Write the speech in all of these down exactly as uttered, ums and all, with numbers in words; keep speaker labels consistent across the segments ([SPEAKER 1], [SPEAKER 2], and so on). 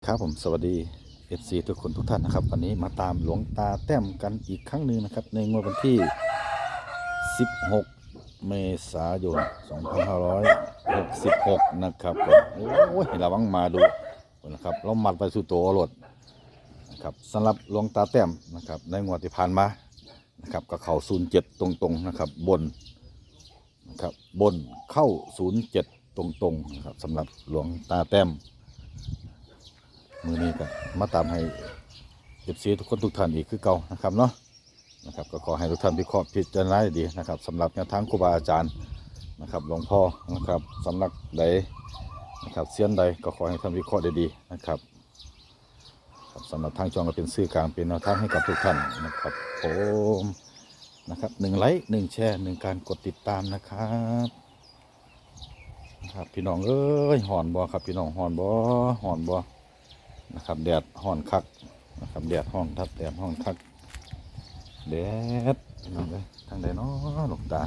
[SPEAKER 1] ครับผมสวัสดี เอฟ ซี ทุกคนทุกท่านนะครับวันนี้มาตามหลวงตาแต้มกันอีกครั้งหนึ่งนะครับในงวดวันที่ สิบหก เมษายน สองพันห้าร้อยหกสิบหก นะครับผมโอ้ยระวังมาดูนะครับเรามัดไปสู่ตัวรถนะครับสำหรับหลวงตาแต้มนะครับในงวดที่ผ่านมานะครับก็เข้าศูนย์เจ็ดตรงๆนะครับบนนะครับบนเข้าศูนย์เจ็ดตรงๆนะครับสำหรับหลวงตาแต้มมือนี้ก็มาตามให้เอฟซีทุกคนทุกท่านอีกคือเก่านะครับเนาะนะครับก็ขอให้ทุกท่านพิเคราะห์พิจารณาดีนะครับสำหรับแนวทางครูบาอาจารย์นะครับหลวงพ่อนะครับสำนักใดนะครับเสี้ยนใดก็ขอให้ท่านวิเคราะห์ดีๆนะครับสำหรับทางจองก็เป็นสื่อกลางเป็นแนวทางให้กับทุกท่านนะครับผมนะครับหนึ่งไลค์หนึ่งแชร์หนึ่งการกดติดตามนะครับนะครับพี่น้องเอ้ยหอนบ่ครับพี่น้องหอนบ่หอนบ่นะครับแดดห่อนคักนะครับแดดห่อนทับแดดห่อนคักแดดทางใดทางใดเนาะหลวงตา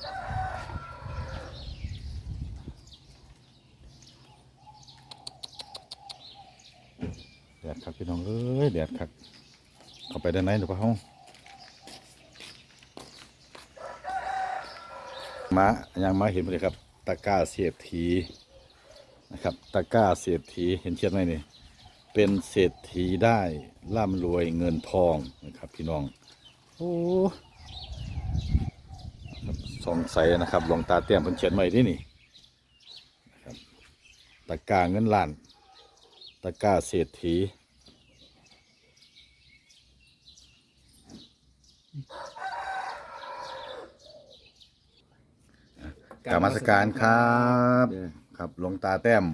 [SPEAKER 1] แดดคักพี่น้องเอ้ยแดดคักเข้าไปด้านในหรือเปล่าห้องมายังมาเห็นเลยครับตะกร้าเศรษฐีนะครับตะกร้าเศรษฐีเห็นเชียดไหมนี่เป็นเศรษฐีได้ร่ำรวยเงินทองนะครับพี่น้องโอ้สงสัยนะครับหลวงตาเตี้ยมเพิ่นเขียนไว้ที่นี่นะครับตะกร้าเงินล้านตะกร้าเศรษฐีกรรมสการครับครับหลวงตาแต้ม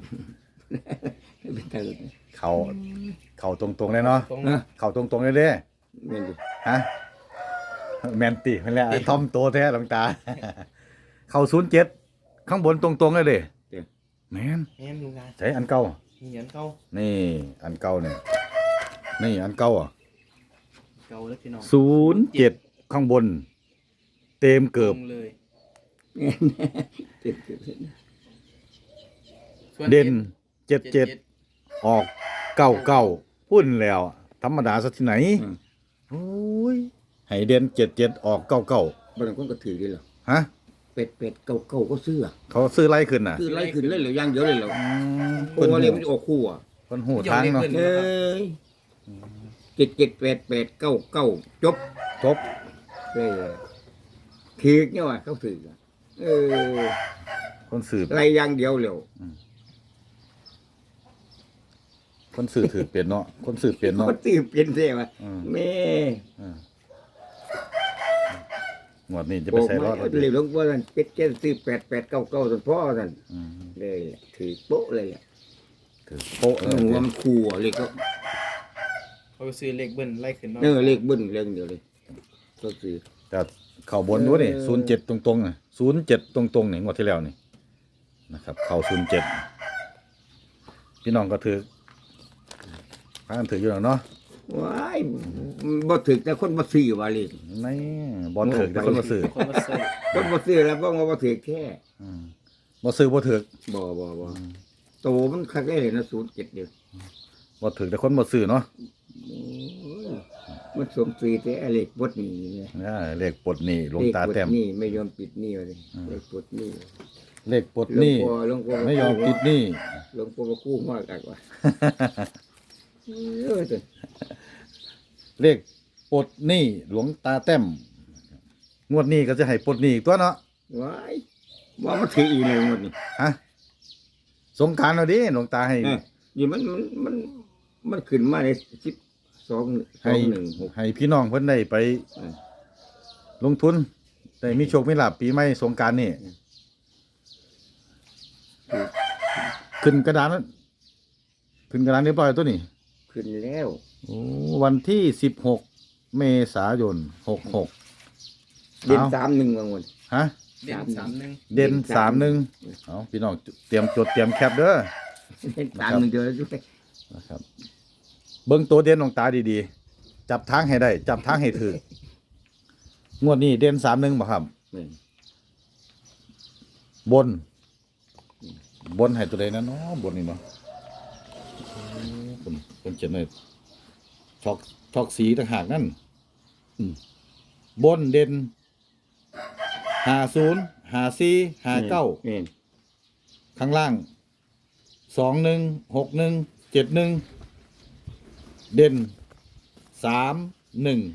[SPEAKER 1] เขาเขาตรงๆเลยเนาะเขาตรงๆเลยเด้ฮะแมนติมันแหละทอมโตแท้หลวงตาเขาศูนย์เจ็ดข้างบนตรงๆเลยเด้แมน
[SPEAKER 2] แม่นลุงตา
[SPEAKER 1] ใช่อันเก่า
[SPEAKER 2] มีอันเก่า
[SPEAKER 1] นี่อันเก่าเนี่ยนี่อันเก่าอ่ะ
[SPEAKER 2] เก่าแล้วพี่น้อง
[SPEAKER 1] ศูนย์เจ็ดข้างบนเต็มเกือบ
[SPEAKER 2] เลย
[SPEAKER 1] เด่นเจ็ดเจ็ดออกเก้าเก้าพุ่นแล้วธรรมดาสักที่ไหนโอ้ยให้เด่นเจ็ดเจ็ดออกเก้าเก้า
[SPEAKER 3] บางคนก็ถือได้หรอ
[SPEAKER 1] ฮะ
[SPEAKER 3] เป็ดเป็ดเก่าเก่าก็ซื้อ
[SPEAKER 1] เขาซื้อไล่ขึ้นน่ะ
[SPEAKER 3] ซื้อไล่ขึ้นเลยเหรือย่างเยอะเลยเหรอโอ้เรียกมันออกคู่อ่ะ
[SPEAKER 1] คนหูทางเนาะ
[SPEAKER 3] เอ้ยเจ็ดเจ็ดแปดแปดเก้าเก้าจบ
[SPEAKER 1] จบ
[SPEAKER 3] เลยถือเนี่ยว่ะเขาถือเออ
[SPEAKER 1] คนสืบ
[SPEAKER 3] ไล่ย่างเดียวเร็ว
[SPEAKER 1] คนสื่อถือเปลี่ยนเนาะคนสื่อเปลี่ยนเนาะ
[SPEAKER 3] คนสื่อเปลี่ยนเสียว่ะแม่
[SPEAKER 1] หมดนี่จะไปใส่รอด
[SPEAKER 3] เลยหลวงพ่อท่านเจ็ดเจ็ดซื้อแปดแปดเก้าเก้าท่านพ่อท่านเลยถือโป๊ะเลย
[SPEAKER 1] ถือโป๊ะ
[SPEAKER 3] หัวมันคู่เลยก็
[SPEAKER 2] เขาซื้อเลขเบิ้ลไล่ขึ้น
[SPEAKER 3] เออเลขเบิ้ลเรื่องเดียวเลยก็ซื้อ
[SPEAKER 1] แต่เข่าบนด้วยนี่ศูนย์เจ็ดตรงๆน่ะศูนย์เจ็ดตรงๆนี่งวดที่แล้วนี่นะครับเข่าศูนย์เจ็ดพี่น้องก็ถือพากันถืออยู่แล้วเนาะ
[SPEAKER 3] ว้ายบ่ถือแต่คนบ่ซื้อว่าเลย
[SPEAKER 1] ไม่บ่ถือแต่คนบ่ซื้อ
[SPEAKER 2] คนบ่ซื้อ
[SPEAKER 3] คนบ่ซื้อแล้วก็บ่ถือแค่
[SPEAKER 1] บ่ซื้อบ่ถือ
[SPEAKER 3] บ่บ่บ่โตมันคักได้เลยนะศูนย์เจ็ดเดียว
[SPEAKER 1] บ่ถือแต่คนบ่ซื้อเนาะ
[SPEAKER 3] มันสมซื้อแต่เลขปลดหนี้เนี่ย
[SPEAKER 1] เลขปลดหนี้หลวงตาแต้ม
[SPEAKER 3] นี่ไม่ยอมปิดหนี้เลยเลขปลดหนี้
[SPEAKER 1] เลขปลดหนี้ไม่ยอมปิดหนี้
[SPEAKER 3] หลวงพ่อมากู้มากอักว่า
[SPEAKER 1] เลขปลดหนี้หลวงตาแต้มงวดนี้ก็จะให้ปลดหนี้อีกตัวเนาะ
[SPEAKER 3] ว้ายว่ามันถืออีกเลยงวดนี้
[SPEAKER 1] ฮะสงกรานต์เอาดิหลวงตาให้
[SPEAKER 3] ยี่มันมันมันมันขึ้นมาในสิบสอง
[SPEAKER 1] ให้หนึ่งให้พี่น้องเพิ่นได้ไปลงทุนได้มีโชคมีลาภปีใหม่สงกรานต์นี่ขึ้นกระดานนั้นขึ้นกระดานเรียบร้อยตัวนี้
[SPEAKER 3] ขึ้นแล้ว
[SPEAKER 1] โอ้วันที่สิบหกเมษายนหกหก
[SPEAKER 3] เด่นสามหนึ่งบางวัน
[SPEAKER 1] ฮะ
[SPEAKER 2] เด่นสามหนึ่ง
[SPEAKER 1] เด่นสามหนึ่งเอาพี่น้องเตรียมจดเตรียมแคปเด้อ
[SPEAKER 3] เด่นสามหนึ่งเจอแล้วด้วย
[SPEAKER 1] นะครับเบิ้งตัวเด่นของตาดีๆจับทางให้ได้จับทางให้ถืองวดนี้เด่นสามหนึ่งบ่ครับบนบนให้ตัวใดนะเนาะบนนี่เนาะคนคนเขียนเลยช็อกช็อกสีต่างหากนั่นอืมบนเด่นหาศูนย์หาสี่หาเก้า
[SPEAKER 3] แม่น
[SPEAKER 1] ข้างล่างสองหนึ่งหกหนึ่งเจ็ดหนึ่งเด่นสามหนึ่ง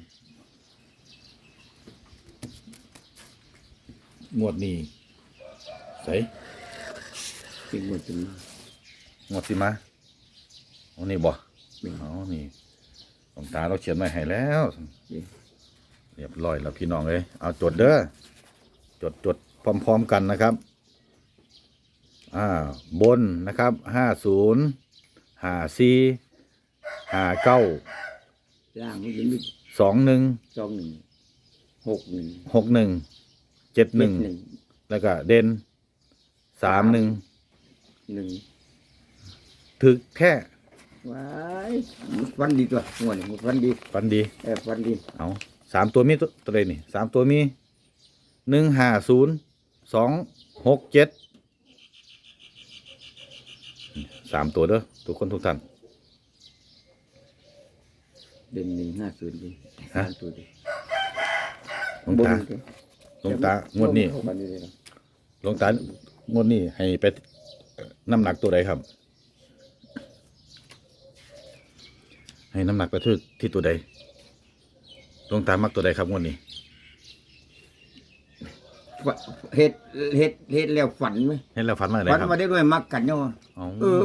[SPEAKER 1] หมวดนี้ใส่
[SPEAKER 3] เป็นหมดเป็น
[SPEAKER 1] หมวดสิมาเอานี่บ่
[SPEAKER 3] แม่น
[SPEAKER 1] เอานี่หลวงตาเราเขียนไว้ให้แล้ว
[SPEAKER 3] นี่
[SPEAKER 1] เรียบร้อยแล้วพี่น้องเอ้ยเอาจดเด้อจดจดพร้อมๆกันนะครับอ่าบนนะครับห้าศูนย์ห้าสี่ห้าเก้า
[SPEAKER 3] ล่างมันจะมี
[SPEAKER 1] สองหนึ่ง
[SPEAKER 3] สองหนึ่งหกหนึ่ง
[SPEAKER 1] หกหนึ่งเจ็ดหนึ่ง
[SPEAKER 3] หนึ่ง
[SPEAKER 1] แล้วก็เด่นสามหนึ่ง
[SPEAKER 3] หนึ่ง
[SPEAKER 1] ถึกแค่
[SPEAKER 3] ว้ายฟันดีตัวงวดนี้ฟันดี
[SPEAKER 1] ฟันดี
[SPEAKER 3] เออฟันดี
[SPEAKER 1] เอาสามตัวมีตัวตัวใดนี่สามตัวมีหนึ่งห้าศูนย์สองหกเจ็ดสามตัวเด้อทุกคนทุกท่าน
[SPEAKER 3] เด่นหนึ่งห้าศูนย์ดี
[SPEAKER 1] ฮะ
[SPEAKER 3] สามตัวดี
[SPEAKER 1] หลวงตาหลวงตางวดนี้
[SPEAKER 3] ฟันดีเลยนะ
[SPEAKER 1] หลวงตางวดนี้ให้ไปน้ำหนักตัวใดครับ ให้น้ำหนักไปที่ที่ตัวใดหลวงตามักตัวใดครับงวดนี้
[SPEAKER 3] ฟะเฮ็ดเฮ็ดเฮ็ดแล้วฝันไหม
[SPEAKER 1] เห็นแล้วฝันว่าอะไร
[SPEAKER 3] ฝัน
[SPEAKER 1] ครับ
[SPEAKER 3] มาได้ด้วยมักกันเนาะ
[SPEAKER 1] อ๋อ
[SPEAKER 3] เออ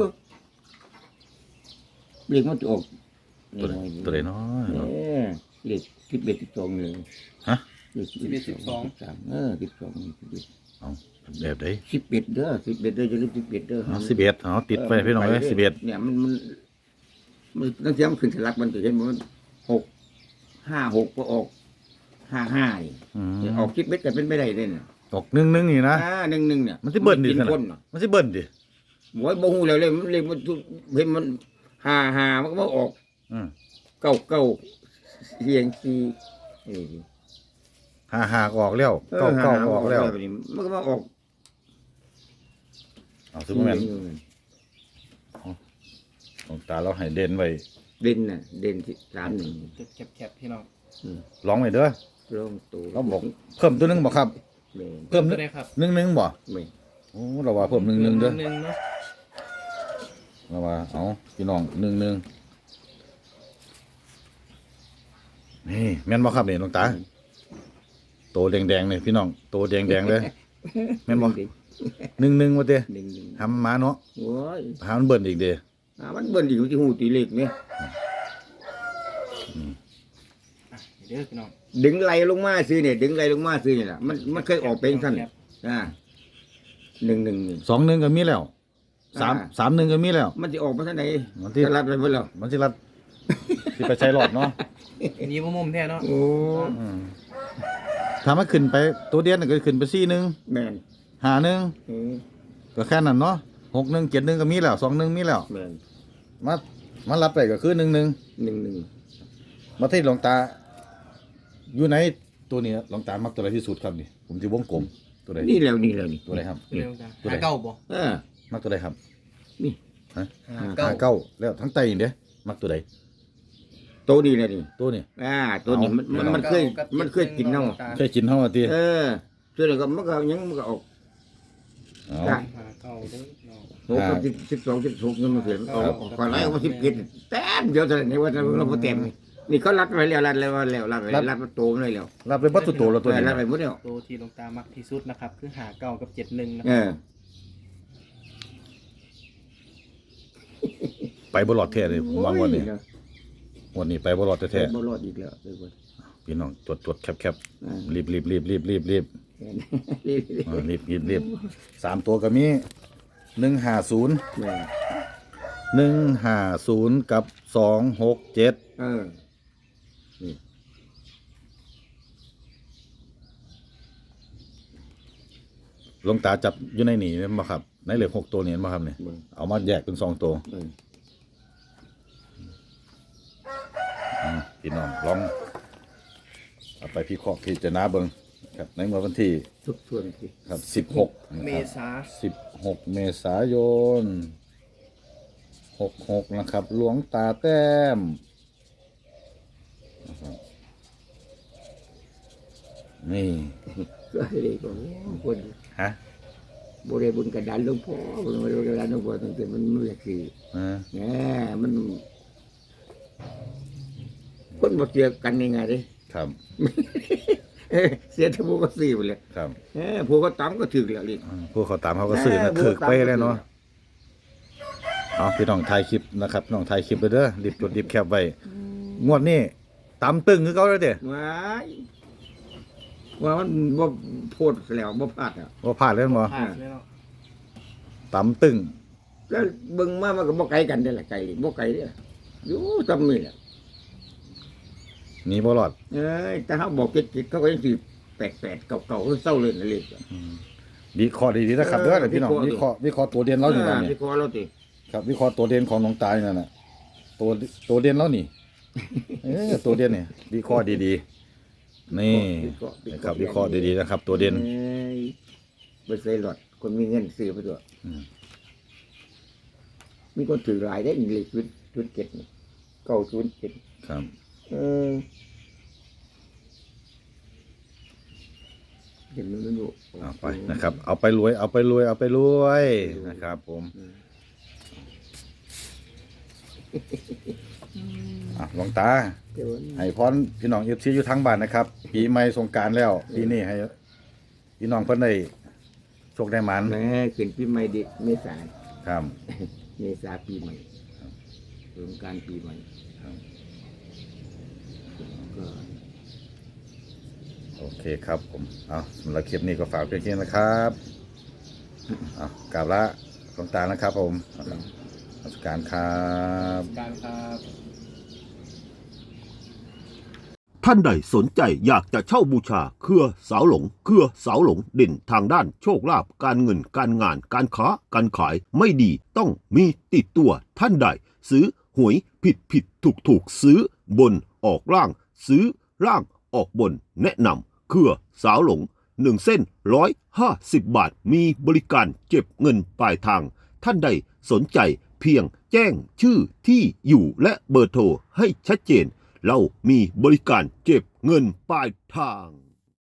[SPEAKER 3] เรียกมันจะออก
[SPEAKER 1] ตัวใดตัวใดเนาะ
[SPEAKER 3] เออเรียกสิบเอ็ดสิบสองเลย
[SPEAKER 1] ฮะ
[SPEAKER 3] เรียกสิบเอ็ดสิบสองสามเออสิบสองสิบเอ็ด
[SPEAKER 1] เอาแบบใด
[SPEAKER 3] สิบเอ็ดเด้อสิบเอ็ดเด้อจะเรียกสิบเอ็ดเด้อ
[SPEAKER 1] เอาสิบเอ็ดเอาติดไปพี่น้องเลยสิบเอ็ด
[SPEAKER 3] เนี่ยมันมันมันตั้งแต่มันขึ้นสลักมันจะเห็นมันหกห้าหกก็ออกห้าห้านี่
[SPEAKER 1] อืม
[SPEAKER 3] ออกคิดเบ็ดกันเป็นไม่ได้เลยเนี่ย
[SPEAKER 1] ออกหนึ่งหนึ่งนี่นะ
[SPEAKER 3] อ่าหนึ่งหนึ่งเนี่ย
[SPEAKER 1] มันสิเบิ้ลดิ
[SPEAKER 3] กิน
[SPEAKER 1] ขนาด
[SPEAKER 3] คนน่ะ
[SPEAKER 1] มันสิเบิ้ลดิ
[SPEAKER 3] หมวยบ่ฮู้แล้วเลยมันเลยมันเห็นมันห้าห้ามันก็มาออก
[SPEAKER 1] อืม
[SPEAKER 3] เก้าเก้าเรียงซีเออ
[SPEAKER 1] ห้าห้าก็ออกแล้วเก้าเก้าก็ออกแล้ว
[SPEAKER 3] แบบนี้มันก็มาออก
[SPEAKER 1] เอาซูเปอร์แมนหลวงตาเราให้เด่นไว้
[SPEAKER 3] เด่นน่ะเด่นที่สามหนึ่ง
[SPEAKER 2] จุดแคบๆพี่น้อง
[SPEAKER 1] ร้องไว้เด้อ
[SPEAKER 3] ลงตัว
[SPEAKER 1] เราบอกเพิ่มตัวหนึงบอกครับ
[SPEAKER 3] แม่น
[SPEAKER 1] เพิ่ม
[SPEAKER 2] ตัวไหนครับ
[SPEAKER 1] หนึ่งหนึ่งบ่
[SPEAKER 3] แม่น
[SPEAKER 1] โอ้เราว่าเพิ่มหนึ่งหนึ่งเด้อ
[SPEAKER 2] หนึ่งเนาะ
[SPEAKER 1] เราว่าเอาพี่น้องหนึ่งหนึ่งนี่แม่นบ่ครับนี่หลวงตาโตแดงๆเลยพี่น้องโตแดงๆเลยแม่นบ่หนึ่งหนึ่งว่าเด้
[SPEAKER 3] หนึ่งหนึ่ง
[SPEAKER 1] ทำมาเนาะ
[SPEAKER 3] โอ้ย
[SPEAKER 1] หามันเบิ่นอีกเด้
[SPEAKER 3] อ่ามันเบิ่นอยู่ที่หูตีเล็กเนี่ย
[SPEAKER 2] อ่ะเดี๋ยวพี่น้อง
[SPEAKER 3] ดึงไหลลงมาซื้อเนี่ยดึงไหลลงมาซื้อเนี่ยแหละมันมันเคยออกเป็นสั้นอ่าหนึ่งหนึ่งนี่
[SPEAKER 1] สองหนึ่งก็มีแล้วสาม
[SPEAKER 3] อ่า
[SPEAKER 1] สามหนึ่งก็มีแล้ว
[SPEAKER 3] มันจะออกมาทางไหน
[SPEAKER 1] มันที่
[SPEAKER 3] จะรัดไปหมดแล้ว
[SPEAKER 1] มันสิรัดสิไปใช้หลอดเนาะ
[SPEAKER 2] อันนี้บ่มุมแท้เนาะ
[SPEAKER 3] โอ้
[SPEAKER 1] อืมถ้ามันขึ้นไปตัวเดียนก็ขึ้นไปสี่หนึ่ง
[SPEAKER 3] แม่น
[SPEAKER 1] หาหนึ่ง
[SPEAKER 3] เออ
[SPEAKER 1] ก็แค่นั้นเนาะหกหนึ่งเจ็ดหนึ่งก็มีแล้วสองหนึ่งมีแล้ว
[SPEAKER 3] แม่น
[SPEAKER 1] มามารับไปก็คือหนึ่งหนึ่ง
[SPEAKER 3] หนึ่งหนึ่ง
[SPEAKER 1] มาที่หลวงตา อยู่ไหนตัวนี้หลวงตามักตัวอะไรที่สุดครับนี่ผมจะวงกลมตัวไหน
[SPEAKER 3] นี่แล้วนี่แล้วนี่
[SPEAKER 1] ตัวไหนครับ
[SPEAKER 2] เร็วจ้ะ
[SPEAKER 1] ตัวไหน
[SPEAKER 2] หาเก้าบ่
[SPEAKER 3] เออ
[SPEAKER 1] มักตัวไหนครับ
[SPEAKER 3] นี่
[SPEAKER 1] ฮะ
[SPEAKER 2] หา
[SPEAKER 1] หา
[SPEAKER 2] เก้า
[SPEAKER 1] เก้าแล้วทั้งไตเด้มักตัวใด
[SPEAKER 3] โตนี่แหละนี่
[SPEAKER 1] ตัวนี้
[SPEAKER 3] อ่าตัวนี้มันมันมันเคยมันเคยกินเนาะ
[SPEAKER 1] เคยกินเท่าไหร่ที
[SPEAKER 3] เออตัวนี้ก็มันก็ยังมันก็ออก
[SPEAKER 1] เอา
[SPEAKER 3] ได้
[SPEAKER 2] หาเก้าเด้อพี่น้อง
[SPEAKER 3] โอ้ก็สิบสิบสองสิบหกนี่มันเสียออกออกก่อนแล้วว่าสิบเจ็ดแต้มเดียวเท่านั้นนี่ว่าเราบ่เต็มนี่เขารัดไว้แล้วรัดแล้วแล้วรัดไว้รัดมาโตมันเลยแล้ว
[SPEAKER 1] รับไปบัตรตัวแล้วตัวนี้
[SPEAKER 3] รัดไปหมดแล้ว
[SPEAKER 2] ตัวที่หลวงตามักที่สุดนะครับ คือหาเก้ากับเจ็ดหนึ่งนะ
[SPEAKER 3] เอ
[SPEAKER 2] ครับ
[SPEAKER 3] อ
[SPEAKER 1] ไปบรอดแท้เลยผมวางวันนี้วันนี้ไปบรอดแท้
[SPEAKER 3] บ่รอดอีกแล้วไปบ่
[SPEAKER 1] ๆพี่น้องจดจดแคบแคบ
[SPEAKER 3] อ่า
[SPEAKER 1] รีบรีบรีบรีบรีบรีบ
[SPEAKER 3] นี่
[SPEAKER 1] อ่ารีบรีบรีบสามตัวก็มีหนึ่งห้าศูนย์
[SPEAKER 3] แม่
[SPEAKER 1] หนึ่งห้าศูนย์กับสองหกเจ็ด
[SPEAKER 3] เออ
[SPEAKER 1] หลวงตาจับอยู่ในนี่มาครับ ในเหลือหกตัวนี่มาครับเนี่ย
[SPEAKER 3] เบิ่ง
[SPEAKER 1] เอามาแยกเป็นสองตัว
[SPEAKER 3] เออ
[SPEAKER 1] อืมพี่น้องลองเอาไปพี่เคราะห์พิจารณาเบิ่งครับในวันที่
[SPEAKER 3] ทุกส่วนสิ
[SPEAKER 1] ครับสิบหก
[SPEAKER 2] เมษา
[SPEAKER 1] สิบหกเมษายนหกหกนะครับ หลวงตาแต้มนะครับนี่
[SPEAKER 3] ก็เลยก็คน
[SPEAKER 1] ฮะ
[SPEAKER 3] บริบุญกระดานหลวงพ่อบริบุญกระดานหลวงพ่อตั้งแต่มันไม่อยากคือ
[SPEAKER 1] อ่า
[SPEAKER 3] แหมมันคนมาเจอกันยังไงดิ
[SPEAKER 1] ครับ
[SPEAKER 3] เอ้ยเสียทั้งพวกก็สี่ไปเลย
[SPEAKER 1] ครับ
[SPEAKER 3] เออพวกก็ตั้มก็ถึกแล้วลิ
[SPEAKER 1] อืมผู้เขาตามเขาก็ซื้อนะถือไปเลยเนาะเอาพี่น้องถ่ายคลิปนะครับพี่น้องถ่ายคลิปไปเด้อรีบจดรีบแคปไว้งวดนี้ตำตึงคือเขาเลยเด้
[SPEAKER 3] ว้ายว่ามันบ่โพดแล้วบ่พลาดอ่ะ
[SPEAKER 1] ว่าพลาดเล่นบ่
[SPEAKER 2] ผ่านเลยเนาะ
[SPEAKER 1] ตำตึง
[SPEAKER 3] แล้วเบิ่งมามันก็บ่ไกลกันได้อล่ะไกลบ่ไกลเด้ออยู่ตำนี่แหละ
[SPEAKER 1] หนีบ่รอด
[SPEAKER 3] เอ้ยแต่เขาบอกจิตๆเขาก็ยังสิแปลกๆเก่าๆคือเศร้าเลยนั่นเลย
[SPEAKER 1] วิเคราะห์ดีๆนะครับเด้อพี่น้องวิเคราะห์วิเคราะห์ตัวเด่นเราอยู่นั่นนี่
[SPEAKER 3] ที่คอเราติ
[SPEAKER 1] ครับวิเคราะห์ตัวเด่นของน้องตายนั่นน่ะตัวตัวเด่นแล้วนี่เออตัวเด่นนี่วิเคราะห์ดีๆนี่นะครับวิเคราะห์ดีๆนะครับ ตัวเด่น
[SPEAKER 3] เอ้ยบ่ใส่หลอดคนมีเงินซื้อไปตัว
[SPEAKER 1] อืม
[SPEAKER 3] มีคนถือหลายได้อีกเลยชุดชุดเจ็ดนี่เก้าชุดเจ็ด
[SPEAKER 1] ครับ
[SPEAKER 3] เออเห็นมันไม่รู้
[SPEAKER 1] เอาไปนะครับ เอาไปรวยเอาไปรวยเอาไปรวยนะครับ ผมอ่ะหลวงตา
[SPEAKER 3] เดี๋ยว
[SPEAKER 1] ให้พรพี่น้องเอฟซีอยู่ทั้งบ้านนะครับปีใหม่สงกรานต์แล้วปีนี้ให้พี่น้องเพิ่นได้โชคได้หมัน
[SPEAKER 3] แม่ขึ้นปีใหม่เด็กเมษา
[SPEAKER 1] ครับ
[SPEAKER 3] เมษาปีใหม่สงกรานต์ปีใหม่
[SPEAKER 1] ครับ
[SPEAKER 3] ก็
[SPEAKER 1] โอเคครับผมเอาสำหรับคลิปนี้ก็ฝากเพียงแค่นี้นะครับเอากราบละหลวงตานะครับ ผมนมัสการครับ
[SPEAKER 2] การครับ
[SPEAKER 4] ท่านใดสนใจอยากจะเช่าบูชาเครือสาวหลงเครือสาวหลงเด่นทางด้านโชคลาภการเงินการงานการค้าการขายไม่ดีต้องมีติดตัวท่านใดซื้อหวยผิดผิดถูกถูกซื้อบนออกล่างซื้อล่างออกบนแนะนำเครือสาวหลงหนึ่งเส้นร้อยห้าสิบบาทมีบริการเก็บเงินปลายทางท่านใดสนใจเพียงแจ้งชื่อที่อยู่และเบอร์โทรให้ชัดเจนเรามีบริการเก็บเงินปลายทาง